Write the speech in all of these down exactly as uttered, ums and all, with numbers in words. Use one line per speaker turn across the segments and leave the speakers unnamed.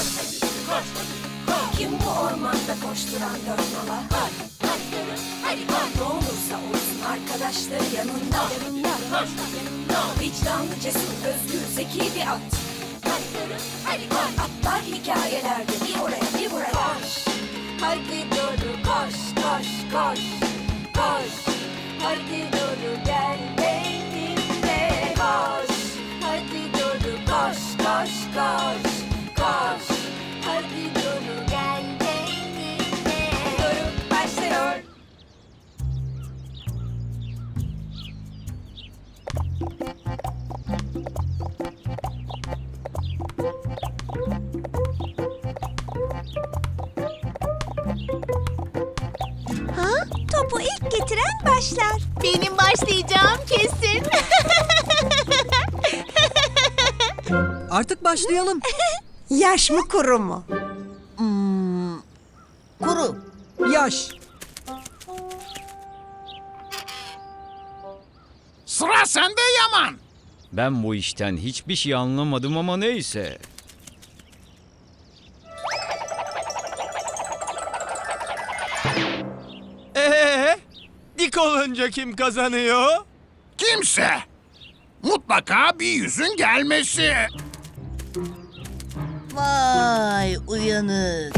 koş, koş, koş. Kim bu ormanda koşturan dört nala? Koş, koş, hadi koş. Ne olursa olsun arkadaşları yanında. Yanında, koş, yanında. Vicdanlı, cesur, özgür, zeki bir at. Koş, hadi koş. Atlar hikayelerde bir oraya bir buraya. Koş, hadi doğru koş, koş, koş, koş. Hadi doğru gel benimle koş. Hadi doğru koş, koş, koş, koş. Hadi doğru gel benimle. Doğru başlıyor.
Ha? Topu ilk getiren başlar.
Benim başlayacağım kesin.
Artık başlayalım.
Yaş mı kuru mu?
Kuru.
Yaş.
Sıra sende Yaman.
Ben bu işten hiçbir şey anlamadım ama neyse.
Ee, dik olunca kim kazanıyor?
Kimse. Mutlaka bir yüzün gelmesi.
Vay uyanık.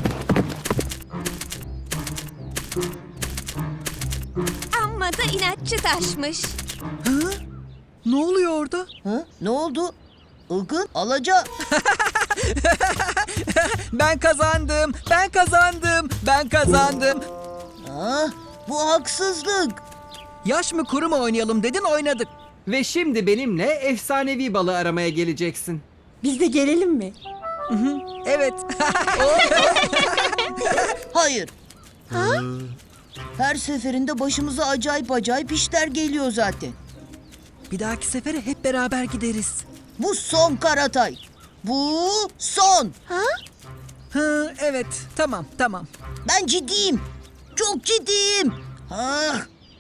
Amma da inatçı taşmış.
Ne oluyor orada?
Ha? Ne oldu? Ilgın alaca.
Ben kazandım. Ben kazandım. Ben kazandım.
Ha? Bu haksızlık.
Yaş mı kuru mu oynayalım dedin, oynadık.
Ve şimdi benimle efsanevi balığı aramaya geleceksin.
Biz de gelelim mi?
Evet.
Hayır. Ha? Her seferinde başımıza acayip acayip işler geliyor zaten.
Bir dahaki sefere hep beraber gideriz.
Bu son Karatay. Bu son.
Hı, evet. Tamam, tamam.
Ben ciddiyim. Çok ciddiyim. Ha?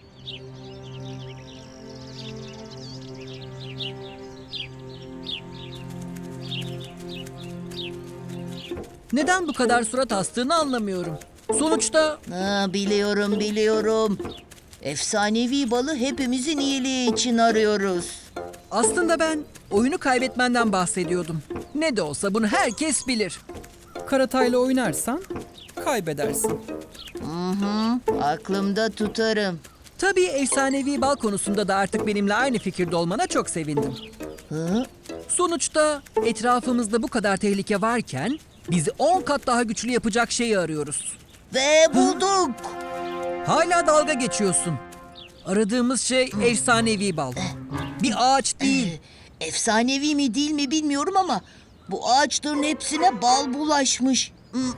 Neden bu kadar surat astığını anlamıyorum. Sonuçta
Ha, biliyorum biliyorum. Efsanevi balı hepimizin iyiliği için arıyoruz.
aslında ben oyunu kaybetmenden bahsediyordum. Ne de olsa bunu herkes bilir.
Karatay'la oynarsan kaybedersin.
Aklımda tutarım.
Tabii efsanevi bal konusunda da artık benimle aynı fikirde olmana çok sevindim.
Hı?
Sonuçta etrafımızda bu kadar tehlike varken bizi on kat daha güçlü yapacak şeyi arıyoruz.
Ve bulduk.
Hala dalga geçiyorsun. Aradığımız şey efsanevi bal. Bir ağaç değil.
Efsanevi mi değil mi bilmiyorum ama bu ağaçların hepsine bal bulaşmış.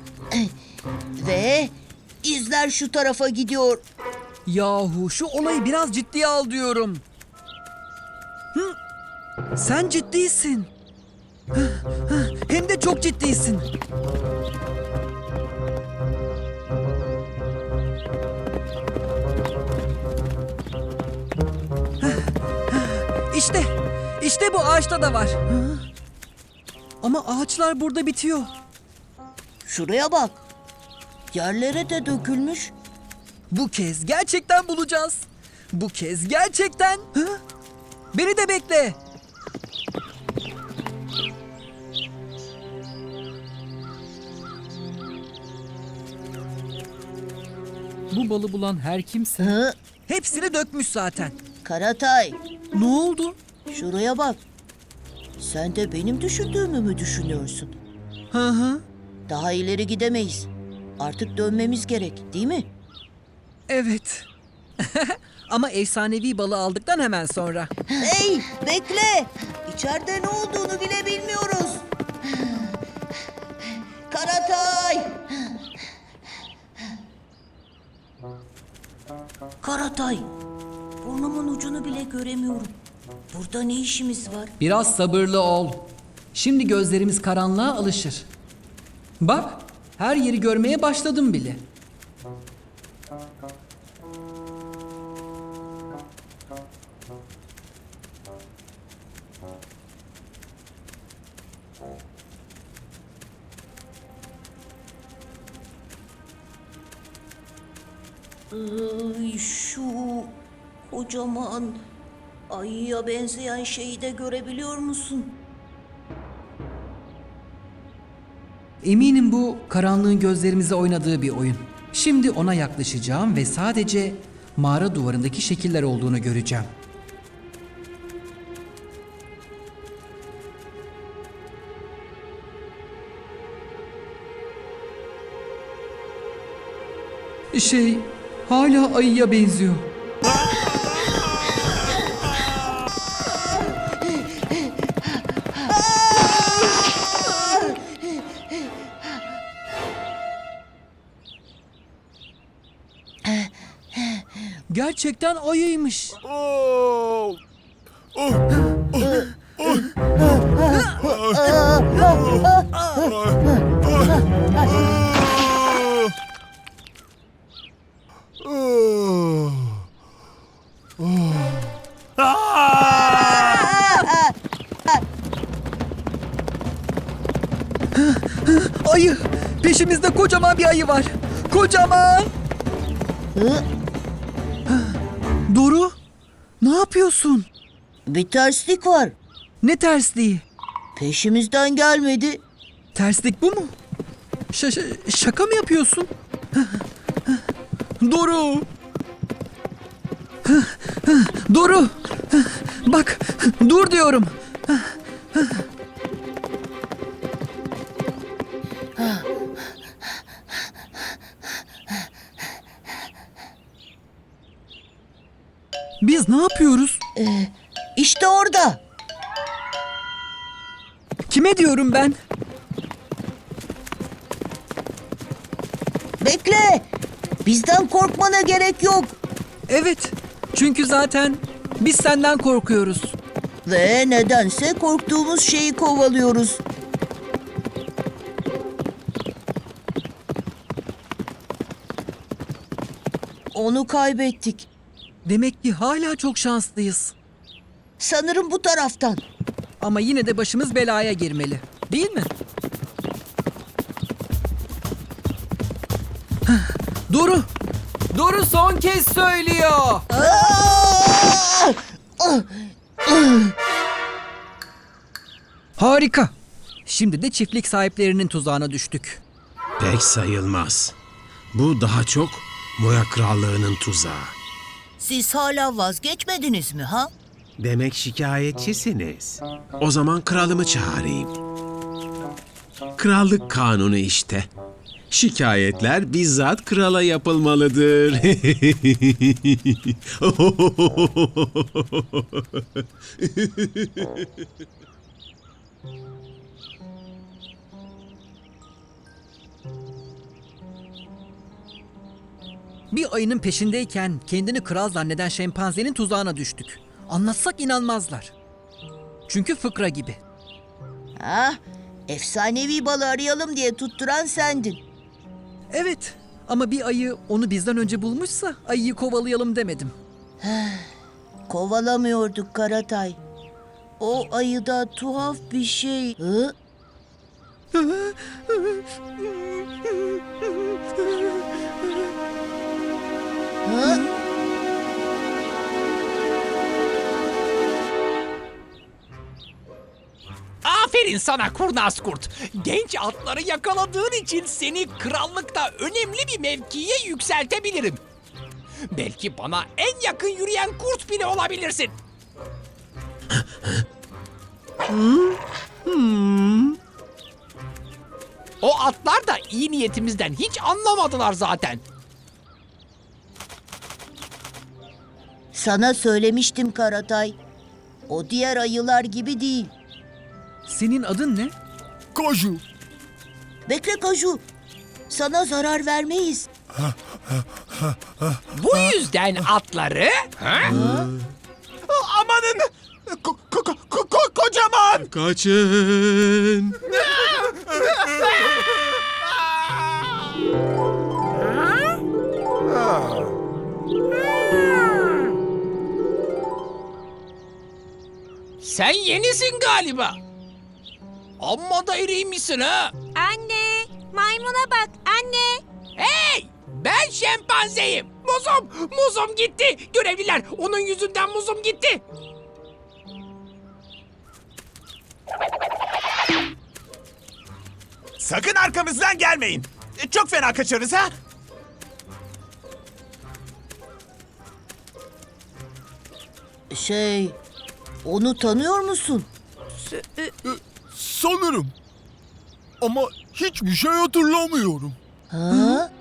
Ve izler şu tarafa gidiyor.
Yahu şu olayı biraz ciddiye al diyorum. Hı? Sen ciddisin. Hı, hı, hem de çok ciddisin. İşte, işte bu ağaçta da var. Hı? Ama ağaçlar burada bitiyor.
Şuraya bak. Yerlere de dökülmüş.
Bu kez gerçekten bulacağız. Bu kez gerçekten. Hı? Beni de bekle.
Bu balı bulan her kimse
Hı?
Hepsini dökmüş zaten.
Karatay,
Ne oldu?
şuraya bak. Sen de benim düşündüğümü mü düşünüyorsun?
Hı hı.
Daha ileri gidemeyiz. Artık dönmemiz gerek, değil mi?
Evet. Ama efsanevi balı aldıktan hemen sonra.
Hey, bekle. İçeride ne olduğunu bile bilmiyoruz. Karatay! Karatay, burnumun ucunu bile göremiyorum. Burada ne işimiz var?
biraz sabırlı ol. Şimdi gözlerimiz karanlığa alışır. Bak, her yeri görmeye başladım bile.
Ay, şu kocaman ayıya benzeyen şeyi de görebiliyor musun?
Eminim bu karanlığın gözlerimize oynadığı bir oyun. Şimdi ona yaklaşacağım ve sadece mağara duvarındaki şekiller olduğunu göreceğim. Şey, hala ayıya benziyor. Gerçekten ayıymış. Ayı! Peşimizde kocaman bir ayı var. Kocaman! Doru, ne yapıyorsun?
Bir terslik var.
Ne tersliği?
Peşimizden gelmedi.
Terslik bu mu? Ş- ş- şaka mı yapıyorsun? Doru! Doru! Bak, dur diyorum. Biz ne yapıyoruz?
İşte orada.
Kime diyorum ben?
Bekle. Bizden korkmana gerek yok.
Evet, çünkü zaten biz senden korkuyoruz.
Ve nedense korktuğumuz şeyi kovalıyoruz. Onu kaybettik.
Demek ki hala çok şanslıyız.
Sanırım bu taraftan.
Ama yine de başımız belaya girmeli. Değil mi? Hah, Doru! Doru son kez söylüyor. Harika. Şimdi de çiftlik sahiplerinin tuzağına düştük.
Pek sayılmaz. Bu daha çok Moya Krallığı'nın tuzağı.
Siz hala vazgeçmediniz mi ha?
Demek şikayetçisiniz. O zaman kralımı çağırayım. Krallık kanunu işte. Şikayetler bizzat krala yapılmalıdır.
Bir ayının peşindeyken kendini kral zanneden şempanzenin tuzağına düştük. Anlatsak inanmazlar. Çünkü fıkra gibi.
Ah, efsanevi balı arayalım diye tutturan sendin.
Evet, ama bir ayı onu bizden önce bulmuşsa ayıyı kovalayalım demedim.
Kovalamıyorduk Karatay. O ayıda tuhaf bir şey. Hı? Hı?
Aferin sana kurnaz kurt. Genç atları yakaladığın için seni krallıkta önemli bir mevkiye yükseltebilirim. Belki bana en yakın yürüyen kurt bile olabilirsin. O atlar da iyi niyetimizden hiç anlamadılar zaten.
Sana söylemiştim Karatay. O diğer ayılar gibi değil.
Senin adın ne?
Koju.
Bekle Kaju. Sana zarar vermeyiz.
Bu yüzden atları... Amanın! Ko- ko- ko- ko- kocaman!
Kaçın!
Sen yenisin galiba. Amma da iriymişsin ha.
Anne, maymuna bak anne.
Hey! Ben şempanzeyim. Bu Muzum! Muzum gitti! Görevliler, onun yüzünden muzum gitti!
Sakın arkamızdan gelmeyin. E, Çok fena kaçarız ha.
Şey, onu tanıyor musun?
Sanırım. Ama hiçbir şey hatırlamıyorum.
Ha?